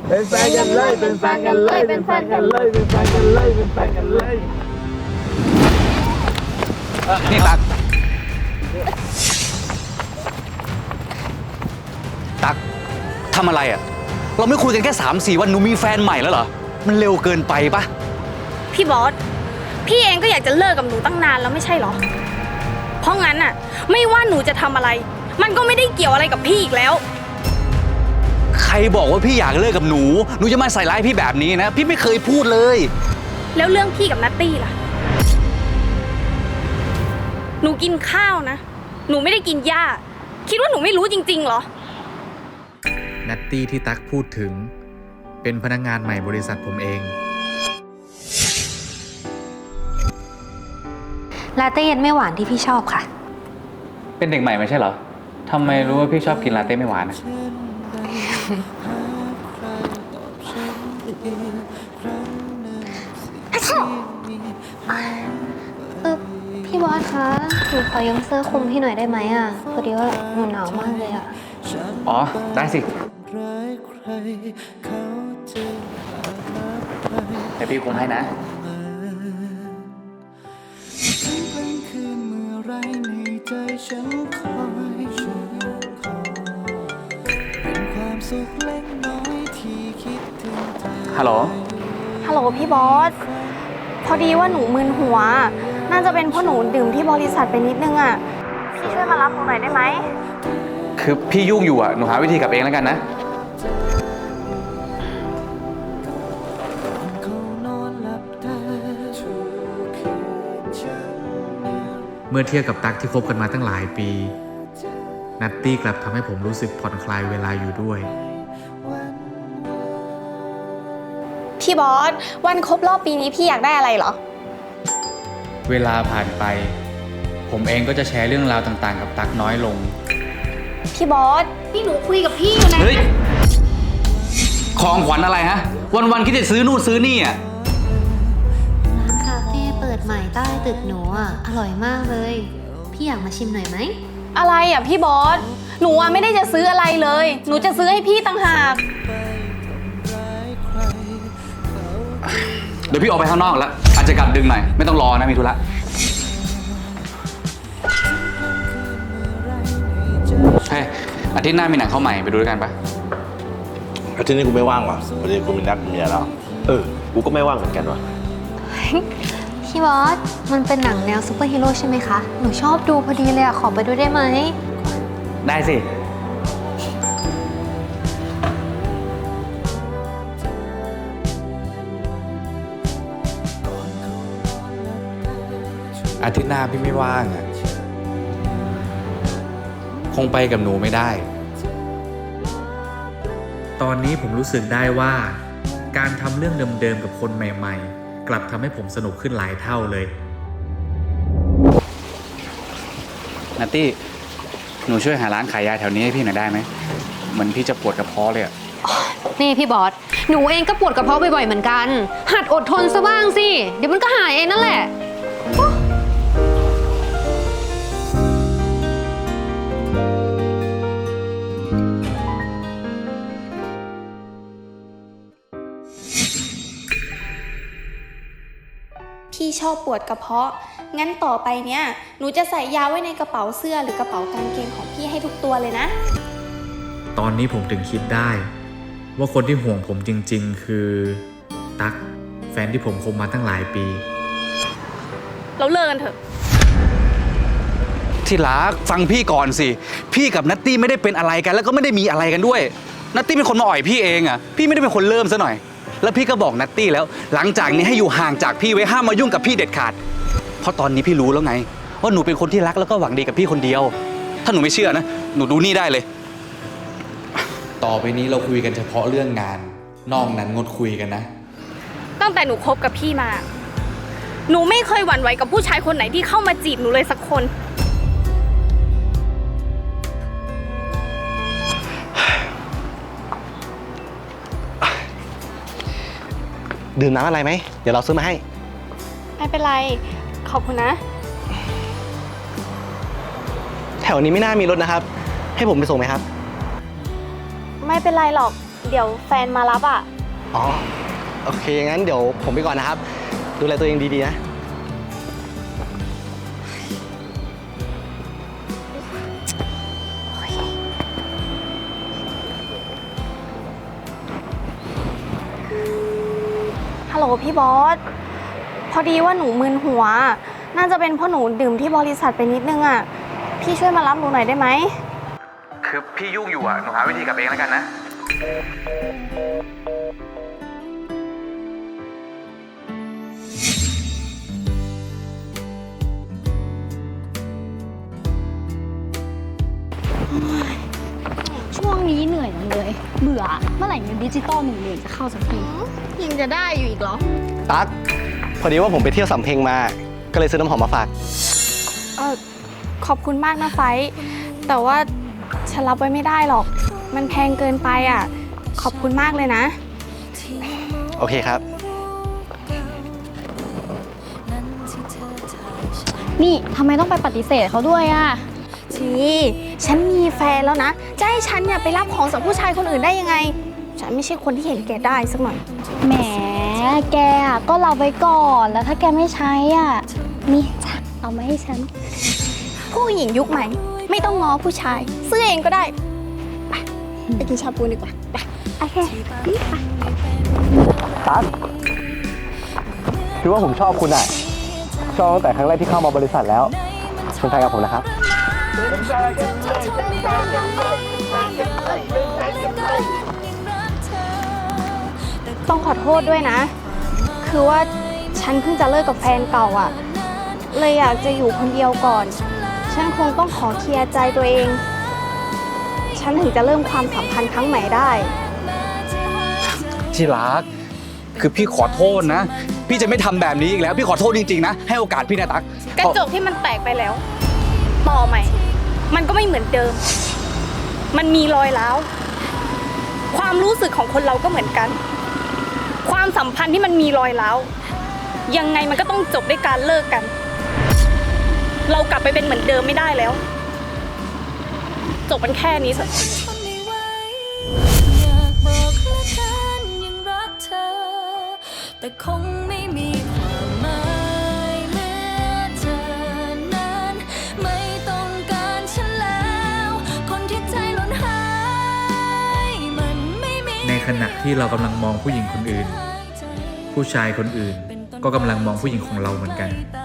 เป็นแฟนกันเลยเป็นแฟนกันเลยเป็นแฟนกันเลยเป็นแฟนกันเลยเป็นแฟนกันเลยนี่ตักทำอะไรอ่ะเราไม่คุยกันแค่3-4 วันหนูมีแฟนใหม่แล้วเหรอมันเร็วเกินไปปะพี่บอสพี่เองก็อยากจะเลิกกับหนูตั้งนานแล้วไม่ใช่หรอเพราะงั้นน่ะไม่ว่าหนูจะทำอะไรมันก็ไม่ได้เกี่ยวอะไรกับพี่อีกแล้วใครบอกว่าพี่อยากเลิกกับหนูจะมาใส่ร้ายพี่แบบนี้นะพี่ไม่เคยพูดเลยแล้วเรื่องพี่กับนัตตี้ล่ะหนูกินข้าวนะหนูไม่ได้กินหญ้าคิดว่าหนูไม่รู้จริงๆเหรอนัตตี้ที่ตั๊กพูดถึงเป็นพนักงานใหม่บริษัทผมเองลาเต้เย็นไม่หวานที่พี่ชอบค่ะเป็นเด็กใหม่ไม่ใช่เหรอทำไมรู้ว่าพี่ชอบกินลาเต้ไม่หวานพี่บอสคะหนูขอยืมเสื้อคลุมพี่หน่อยได้ไหมอ่ะพอดีว่าหนูหนาวมากเลยอ่ะอ๋อได้สิเดี๋ยวพี่คลุมให้นะฮัลโหลพี่บอสพอดีว่าหนูมึนหัวน่าจะเป็นเพราะหนูดื่มที่บริษัทไปนิดนึงอ่ะพี่ช่วยมารับหนูหน่อยได้ไหมคือพี่ยุ่งอยู่อ่ะหนูหาวิธีกลับเองแล้วกันนะเมื่อเทียบกับตั๊กที่คบกันมาตั้งหลายปีนัตตี้กลับทำให้ผมรู้สึกผ่อนคลายเวลาอยู่ด้วยพี่บอสวันครบรอบปีนี้พี่อยากได้อะไรเหรอเวลาผ่านไปผมเองก็จะแชร์เรื่องราวต่างๆกับตั๊กน้อยลงพี่บอสนี่หนูคุยกับพี่อยู่นะเฮ้ยของขวัญอะไรฮะวันๆคิดจะซื้อนู่นซื้อนี่อ่ะร้านคาเฟ่เปิดใหม่ใต้ตึกหนูอ่ะอร่อยมากเลยพี่อยากมาชิมหน่อยไหมอะไรอ่ะพี่บอสหนูไม่ได้จะซื้ออะไรเลยหนูจะซื้อให้พี่ต่างหากเดี๋ยวพี่ออกไปข้างนอกแล้วอาจจะกลับดึงหน่อยไม่ต้องรอนะมีธุระเฮ้ยอาทิตย์หน้ามีหนังเข้าใหม่ไปดูด้วยกันปะอาทิตย์นี้กูไม่ว่างว่ะวันนี้กูมีนัดเมียแล้วกูก็ไม่ว่างเหมือนกันว่ะพี่บอสมันเป็นหนังแนวซูเปอร์ฮีโร่ใช่ไหมคะหนูชอบดูพอดีเลยอ่ะขอไปดูได้ไหมได้สิอาทิตย์หน้าพี่ไม่ว่างอ่ะคงไปกับหนูไม่ได้ตอนนี้ผมรู้สึกได้ว่าการทำเรื่องเดิมๆกับคนใหม่ๆกลับทำให้ผมสนุกขึ้นหลายเท่าเลยนัตตี้หนูช่วยหาร้านขายยาแถวนี้ให้พี่หน่อยได้ไหมเหมือนพี่จะปวดกระเพาะเลยอ่ะนี่พี่บอสหนูเองก็ปวดกระเพาะบ่อยๆเหมือนกันหัดอดทนซะบ้างสิเดี๋ยวมันก็หายเองนั่นแหละพี่ชอบปวดกระเพาะงั้นต่อไปเนี้ยหนูจะใส่ยาไว้ในกระเป๋าเสื้อหรือกระเป๋ากางเกงของพี่ให้ทุกตัวเลยนะตอนนี้ผมถึงคิดได้ว่าคนที่ห่วงผมจริงๆคือตั๊กแฟนที่ผมคบมาตั้งหลายปีเราเลิกกันเถอะที่รักฟังพี่ก่อนสิพี่กับนัตตี้ไม่ได้เป็นอะไรกันแล้วก็ไม่ได้มีอะไรกันด้วยนัตตี้เป็นคนมาอ่อยพี่เองอ่ะพี่ไม่ได้เป็นคนเริ่มซะหน่อยแล้วพี่ก็บอกนัตตี้แล้วหลังจากนี้ให้อยู่ห่างจากพี่ไว้ห้ามมายุ่งกับพี่เด็ดขาดเพราะตอนนี้พี่รู้แล้วไงว่าหนูเป็นคนที่รักแล้วก็หวังดีกับพี่คนเดียวถ้าหนูไม่เชื่อนะหนูดูนี่ได้เลยต่อไปนี้เราคุยกันเฉพาะเรื่องงานนอกนั้นงดคุยกันนะตั้งแต่หนูคบกับพี่มาหนูไม่เคยหวั่นไหวกับผู้ชายคนไหนที่เข้ามาจีบหนูเลยสักคนดื่มน้ำอะไรไหมเดี๋ยวเราซื้อมาให้ไม่เป็นไรขอบคุณนะแถวนี้ไม่น่ามีรถนะครับให้ผมไปส่งไหมครับไม่เป็นไรหรอกเดี๋ยวแฟนมารับอ่ะอ๋อ โอเค งั้นเดี๋ยวผมไปก่อนนะครับ ดูแลตัวเองดีๆนะฮัลโหลพี่บอส พอดีว่าหนูมึนหัว น่าจะเป็นเพราะหนูดื่มที่บริษัทไปนิดนึงอ่ะ พี่ช่วยมารับหนูหน่อยได้ไหมคือพี่ยุ่งอยู่อ่ะ หนูหาวิธีกลับเองแล้วกันนะช่วงนี้เหนื่อยจังเลย เบื่อ เมื่อไหร่เงินดิจิตอล1,000,000จะเข้าสักทียังจะได้อยู่อีกเหรอตั๊ก พอดีว่าผมไปเที่ยวสำเพ็งมา ก็เลยซื้อน้ำหอมมาฝากขอบคุณมากนะไฟท์แต่ว่าฉันรับไว้ไม่ได้หรอก มันแพงเกินไปอ่ะ ขอบคุณมากเลยนะโอเคครับนี่ทำไมต้องไปปฏิเสธเขาด้วยอ่ะฉันมีแฟนแล้วนะ จะให้ฉันเนี่ยไปรับของจากผู้ชายคนอื่นได้ยังไง ฉันไม่ใช่คนที่เห็นแก่ได้สักหน่อยแหม แกอะก็รับไว้ก่อน แล้วถ้าแกไม่ใช้อ่ะ นี่จ้ะ เอามาให้ฉันผู้หญิงยุคใหม่ ไม่ต้องง้อผู้ชาย ซื้อเองก็ได้ ไปกินชาบูดีกว่าไปโอเคตั๊กคือว่าผมชอบคุณอ่ะ ชอบตั้งแต่ครั้งแรกที่เข้ามาบริษัทแล้วเป็นแฟนกับผมนะครับต้องขอโทษด้วยนะ คือว่าฉันเพิ่งจะเลิกกับแฟนเก่าอ่ะ เลยอยากจะอยู่คนเดียวก่อน ฉันคงต้องขอเคลียร์ใจตัวเอง ฉันถึงจะเริ่มความสัมพันธ์ครั้งใหม่ได้ที่รัก คือพี่ขอโทษนะ พี่จะไม่ทำแบบนี้อีกแล้ว พี่ขอโทษจริงๆนะ ให้โอกาสพี่นะตั๊กกระจกที่มันแตกไปแล้ว ต่อใหม่ มันก็ไม่เหมือนเดิม มันมีรอยร้าวความรู้สึกของคนเราก็เหมือนกัน ความสัมพันธ์ที่มันมีรอยร้าวยังไงมันก็ต้องจบด้วยการเลิกกัน เรากลับไปเป็นเหมือนเดิมไม่ได้แล้ว จบมันแค่นี้สิอยากบอกละกันยังรักเธอ แต่คงไม่มีความหมายเมื่อเธอนั้นไม่ต้องการฉันแล้ว คนที่ใจหล่นหายมันไม่มีในขณะที่เรากำลังมองผู้หญิงคนอื่น ผู้ชายคนอื่นก็กำลังมองผู้หญิงของเราเหมือนกันแต่